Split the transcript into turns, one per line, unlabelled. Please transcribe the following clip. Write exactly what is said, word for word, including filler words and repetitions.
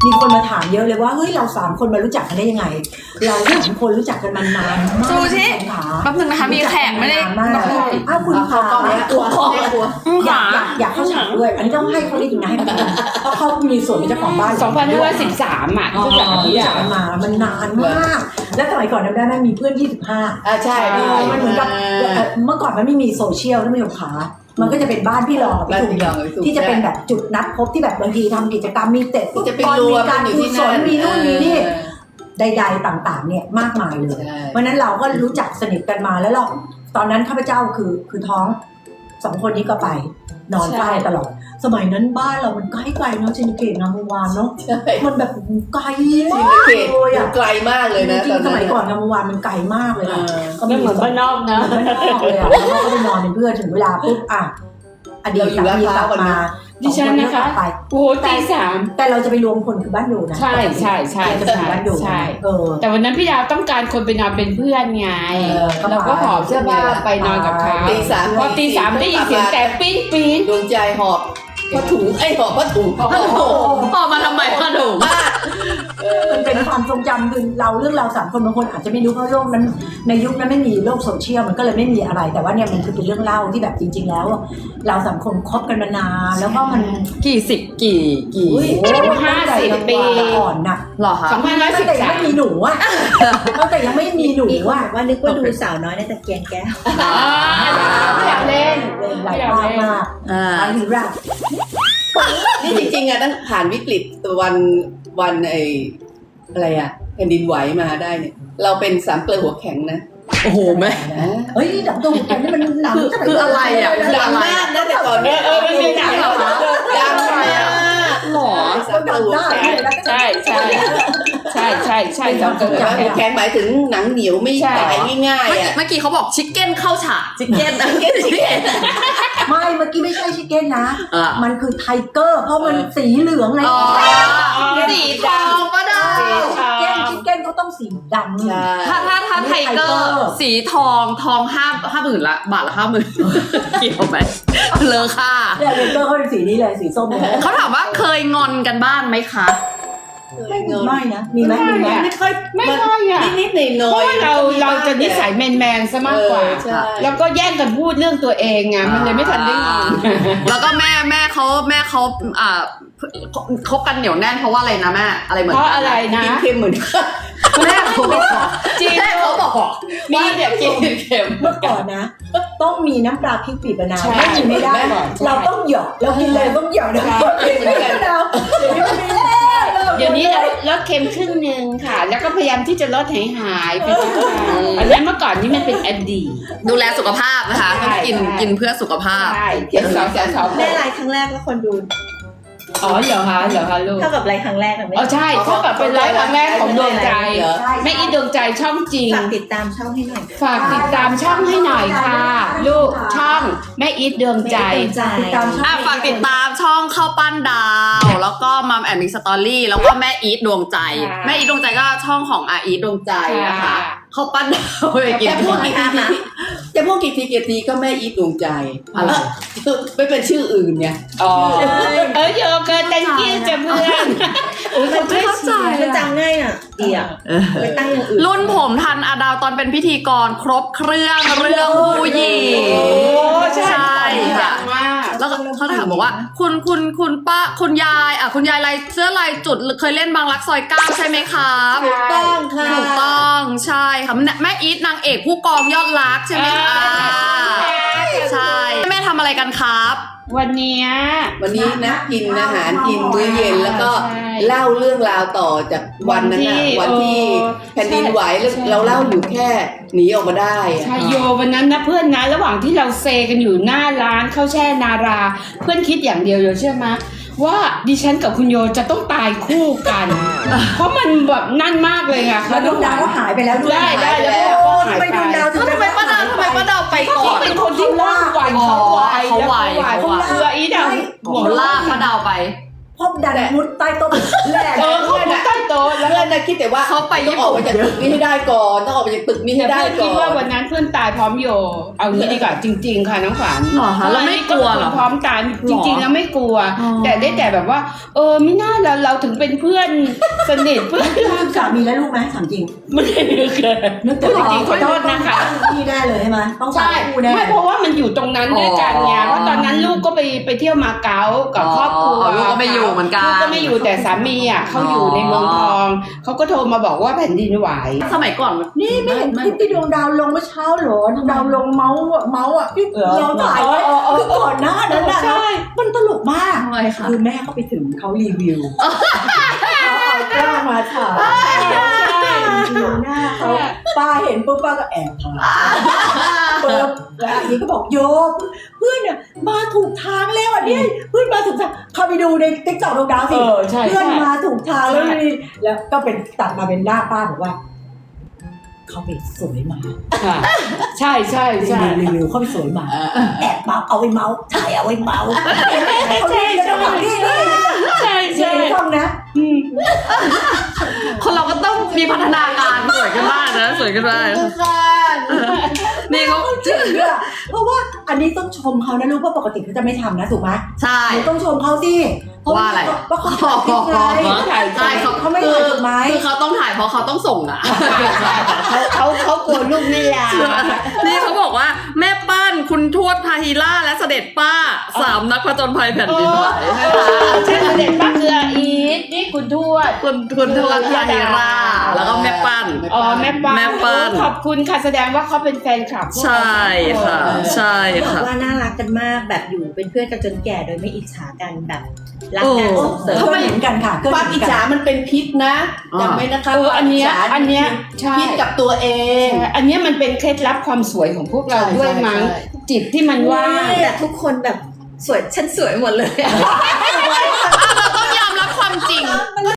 มีคนมาถามเยอะเลยว่าเฮ้ยเราสามคนมารู้จักกันได้ยังไง เราสามคนรู้จักกันมานานมาก
ดูสิแป๊บนึงนะคะมีแขกไม่ได้
มากอ้าวคุณขา
กลัวกลัว
อยากอยากอยากเข้าฉากด้วยอันนี้ต้องให้เขาได้ยินนะให้เขาได้ยินเพราะเขามีส่วนเป็นเจ้าของบ้าน
สองพันห้าร้อยสิบสามอ่ะรู้จักกับพี่
รู้
ดา
จักกันมามันนานมากและสมัยก่อนจำได้ไหมมีเพื่อนยี่สิบห้า
อ่าใช่
มันเหมือนกับเมื่อก่อนมันไม่มีโซเชียลท่านผู้ชมขามันก็จะเป็นบ้านพี่รองกับพี่ถุงที่จะเป็นแบบจุดนัดพบที่แบบบางทีทำกิจกรรมมีเตะฟุตบอลมีการกุศลมีนู่นมีนี่ใดๆต่างๆเนี่ยมากมายเลยเพราะนั้นเราก็รู้จักสนิทกันมาแล้วเราตอนนั้นข้าพเจ้าคือคือท้องสองคนนี้ก็ไปนอนเฝ้าตลอดสมัยนั้นบ้านเรามันใกล้ไกลเนาะชินเกตงามวงวานเนาะมันแบบไกลมากเลยอ่ะ
ไกลมากเลยนะ
จริงๆสมัยก่อนงามวงวานมันไกลมากเลยนะก็
ไม่เหมือนบ้านนอกนะ
บ้านนอกเลยอ่ะแล้วก็ไปนอนเป็นเพื่อนถึงเวลาปุ๊บอ่ะอดีตสามีกลับมา
ดิฉันนะคะ
ไป
โอ้ตีสาม
แต่เราจะไปรวมคนคือบ้านดูนะ
ใช่ใช่ใช่
จะเป็นบ้านดู
ใช่
เออ
แต่วันนั้นพี่ดาวต้องการคนไปนอนเป็นเพื่อนไงเราก็หอบเสื้อผ้าไปนอนกับเขา
ตีสาม
พอตีสามได้ยินเสียงแต่ปี๊ดปี๊ด
ดวงใจหอบผ้าถุงไอ้หอบผ้าถุง
พ่อมาทำไมพ่อหนู
มันเป็นความทรงจำคือเราเรื่องเราสามคนบางคนอาจจะไม่รู้เพราะโลกนั้นในยุคนั้นไม่มีโลกโซเชียลมันก็เลยไม่มีอะไร แต่ว่าเนี่ยมันคือเป็นเรื่องเล่าที่แบบจริง ๆ แล้ว เราสามคนคบกันมานานแล้วก็มัน
กี่สิบกี่กี่
อุ้ยห้าสิบปีอ่อนน่ะ
หรอคะ
สองพันร้อยสิ
ตั้
บ
งแต่ยัง
สาม
ไม่มีหนูอ่ะตั้งแต่ยังไม่มีหนู
มีคน
อ่ะ
บอกว่านึกว่าดูสาวน้อยในตะเกียงแก้ว
อยากเล่น
หลายภาคมาก
อ่า
อันนี้รัก
นี่จริงๆอะตั้งผ่านวิกฤตวันวันไอ้อะไรอะแผ่นดินไหวมาได้เนี่ยเราเป็นสามเกลือหัวแข็งนะ
โอ้โหแม่
เฮ้ยดับดวงแกนี่มันหนัง
คือคืออะไรอ่ะ
ดังมากนะแต่ก่อนเนี่ย
เออมันมีหนังเหรอคะ
ดังมาก
หรอ
สามเกลือหัวแข็ง
ใช่ใช่ใช่ใช่ใช่สองเกิด
หัวแข็งหมายถึงหนังเหนียวไม่ตายง่าย
เมื่อ
ๆ
กี้
อะ
เมื่อกี้เขาบอกชิคเก้นเข้าฉากชิคเก้นชิคเก้นชิคเก้น
ไม่เมื่อกี้ไม่ใช่ชิคเก้นนะ
อ่ะ
มันคือไทเกอร์ เพราะมันสีเหลืองไง
อ๋อสีทองก็ได้
ชิคเก้นชิคเก้นเขาต้องสีดำ
ใช่
ถ้าถ้าถ้าไทเกอร์สีทองทองห้าห้าหมื่นละบาทละห้าหมื่นเกี่ยวไหมเลอค่า
เนี่ยไทเกอร์เขาเป็นสีนี้เลยสีส้มเลย
เขาถามว่าเคยงอนกันบ้างไหมคะ
ไม่ไม่นะ มีไหมมีไหม
ไม่ค่อย
ไม่ค่อยอ่ะ
นิดๆหน่
เพ
อย
ราะ
ๆ
ว่าเราเราจะนิสัยแมนแมนๆซะมากกว่า
เออใช่
แล้วก็แย่งกันพูดเรื่องตัวเองไงมันเลยไม่ทันได้งอน
แล้วก็แม่แม่เขาแม่เขาอ่าคบกันเหนียวแน่นเพราะว่าอะไรนะแม่อะไรเหมือน
เพ
กัน
ราะอะไรนะ
กินเค็มเหมือนกัน
แม่เขาบอก
จริง
แม่เขาบอกว่าเดี๋ยวกินเค็ม
เมื่อก่อนนะ ต้องมีน้ำปลาพริกปีบมะนาว
ใช่
ไม่มีไม่ได้
ใช่
เราต้องหยอกเรากินเลยต้องหยอกนะกินไม่ได้มะนาวเดี๋ยวนี้มันมีแล้ว
เดี๋ยวนี้เราลดเค็มครึ่งหนึ่งค่ะ แล้วก็พยายามที่จะลดหายหายๆไปบ้างอันนี้เมื่อก่อนนี่มันเป็นอดีต
ดูแลสุขภาพนะคะ
ใช่
ต้องกิน
ใช่
กินเพื่อสุขภาพ
ใช่เจ็ดสองสองสอง
แม่ไลฟ์ครั้งแรกแล้วคนดู
อ๋อเหรอคะเหรอคะลูก
เท่ากับไลฟ์ครั้งแรกอะไม่
อ๋อใช่เท่ากับเป็นไลฟ์ครั้งแรกของดวงใจ
ใช่
แม่อีดวงใจช่องจริง
ฝากติดตามช่องให้หน่อย
ฝากติดตามช่องให้หน่อยค่ะ ลูกช่องแม่อีทดวงใจ
ติดตามช่อง
อ่ะฝากติดตามช่องข้าวปั้นดาว แล้วก็มัมแอนด์มิกสตอรี่แล้วก็แม่อีทดวงใจ
ค่ะ
แม่อีทดวงใจก็ช่องของอาอีทดวงใจนะคะ
ค่ะ
ข้าวปั้นดาวไปกิน
จะพูดกี่ทีจะพูดกี่ทีกี่ทีก็แม่อีทดวงใจ
อะไร
ไม่เป็นชื่ออื่นไง
อ๋อเออโยเกิร์ต thank you จ้ะเพื่อนโอ้ยเขาช่วยเชียร์
มันจำง่ายอ่ะดีอ่ะไปตั้งอย่างอื่น
รุ่นผมทันอาดาวตอนเป็นพิธีกรครบเครื่องเรื่องผู้หญิง
โอ้ใช่
ใช่ค่ะ
มาก
แล้วก็เขาถามบอกว่า คุณคุณคุณป้าคุณยายอ่ะคุณยายลายเสื้อลายจุดเคยเล่นบางรักซอยเก้าใช่ไหมครับ
ถูกต้องค่ะ
ถูกต้องใช่ค่ะแม่อีทนางเอกผู้กองยอดรักใช่ไหมคะใช่แม่ทำอะไรกันครับ
วันเนี้ย
วันนี้นะกินอาหารกินมื้อเย็นแล้วก็
ใช่
เล่าเรื่องราวต่อจากวันนั้นนะวันที่แผ่นดินไหวแล้วเราเล่าอยู่แค่หนีออกมาได้อะ
ใช่โยวันนั้นนะเพื่อนนะระหว่างที่เราเซกันอยู่หน้าร้านข้าวแช่นารา เพื่อนคิดอย่างเดียวโยเชื่อไหมว่าดิฉันกับคุณโยจะต้องตายคู่กัน เพราะมันแบบนั่นมากเลยค่ะ
แล้วดวงดาวก็หายไปแล้วด้วย
ได้ได้แล้ว
โอ้
ก็หาย
ทำไม
ไป
ดวงดาวถึง
ทำไมป้าดาวทำไมป้าดาวไปก่อน
เป็นคนที่ว่างไวเขาไว
เขาไว
แล้ว
เขาไว
คืออีดาว
หัวลากป้าดาวไป
พบดันมุดใต้โต๊ะแหลก
เออเขาพูดใต้โต๊ะแล้ว
เพื่อนน่ะคิดแต่ว่า
เขาไป
ต้องออกมาจากตึกนี้ให้ได้ก่อนต้องออกมาจากตึกนี้ให้ได้
เพื่อน
ก่
คิด
อ
ว่าน วันนั้นเพื่อนตายพร้อมโย เอางี้ดีกว่าจริง ๆ ค่ะน้องขวัญ
หรอคะแล้วไม่กลัวเหรอ
พร้อมตายจริงๆแล้วไม่กลัว
อ๋อ
แต่ได้แต่แบบว่า เออไม่น่าเราเราถึงเป็นเพื่อนสนิทเพื่อน
สามีและลูกไหมถามจริง
ไม่ได้นึกเลย
นึก
จริงๆขอโทษนะคะ
พี่แน่เลยใช่ไหมต้องสา
ใช่
มคู่แน่
ไม่เพราะว่ามันอยู่ตรงนั้นด้วยกันไง
อ๋อ
เพราะตอนนั้นลูกก็ไปไปเที่ยวมาเก๊ากับครอบครัว
อ๋อลูกก็ไม่อยู่เหมือนกัน
ลูกก็ไม่อยู่แต่สามีอ่ะเขาอยู่ในเมืองทองเขาก็โทรมาบอกว่าแผ่นดินไหว
สมัยก่อนมัน
นี่ไม่เห็นคลิปที่ดวงดาวลงเมื่อเช้าเหรอดวงดาวลงเมาส์อะเมาส์อ่ะที่เราถ่ายไว้คือก่อนหน้านั้นน่ะ
ใช่
มันตลกมาก
ทำไมคะ
คือแม่เขาไปถึงเขารีวิวเขาเอากล้องมาถ่ายดูหน้าเขาป้าเห็นปุ๊บป้าก็แอบถ่ายปุ๊บแล้วอันนี้ก็บอกโยมเพื่อนเนี่ยมาถูกทางแล้วอันนี้เพื่อนมาถูกทางเข้าไปดูในติ๊กต็อกดวงดาวสิ
เออใช่
เพื่อน
ใช่
มาถูกทางแล้ว
ใช่
นี่แล้วก็เป็นตัดมาเป็นหน้าป้าบอกว่าเขาไปสวยมา
ค่ะใช่ใช่ใช่
รีวิวเขาไปสวยมาแอบเมาเอาไว้เมาถ่ายเอาไว้เมาเขาเล่นกันแบบนี้นี่
ใช่
ใช่
ใช่
ช่องนะ
คนเราก็ต้องมีพัฒนาการสวยขึ้นบ้างนะสวยขึ้นบ้างนี่เขา
จริงอะเพราะว่าอันนี้ต้องชมเขานะลูกเพราะปกติเขาจะไม่ทำนะถูกไหม
ใช่
หนูต้องชมเขาสิเพราะ
ว่าอะไร
ว่าเขาถ่ายคลิปไง
ใช่เขา
เขาไม่ถ่ายถูกไหม
คือเขาต้องถ่ายเพราะเขาต้องส่งอ่ะ
เขาเขากลัวลูกไม่ลา
นี่เขาบอกว่าแม่ป้านคุณทวดพาฮิล่าและเสด็จป้าสามนักผจญภัยแผ่นดินไหว
ใช่เสด็จป้าคืออาอีทนี่คุณทวด
คุณคุณทวดพาฮิล่าแล้วก็แม่ป้าน
อ๋อแม่ป้า
แม่ป้าน
ขอบคุณค่ะแสดงว่าเขาเป็นแฟนคลับพวกเรา
ใช่ค่ะ ใช่
บอก
ค่ะ
ว่าน่ารักกันมากแบบอยู่เป็นเพื่อนกันจนแก่โดยไม่อิจฉากันแบบรักกัน
โอ้
ส่งเสริม
เขาไม่เห็นกันค่ะ
ความอิจฉามันเป็นพิษนะจำไว้นะคะ
เอออันเนี้ย
ความจฉา
อันเนี้ยใช่
พิษกับตัวเอง
ใช่อันเนี้ยมันเป็นเคล็ดลับความสวยของพวกเรา
ใช่
ด้วยมั้ง
ใช่
จิตที่มันว่าง
แต่ทุกคนแบบสวยฉันสวยหมดเลย
เราต้องยอมรับความจริง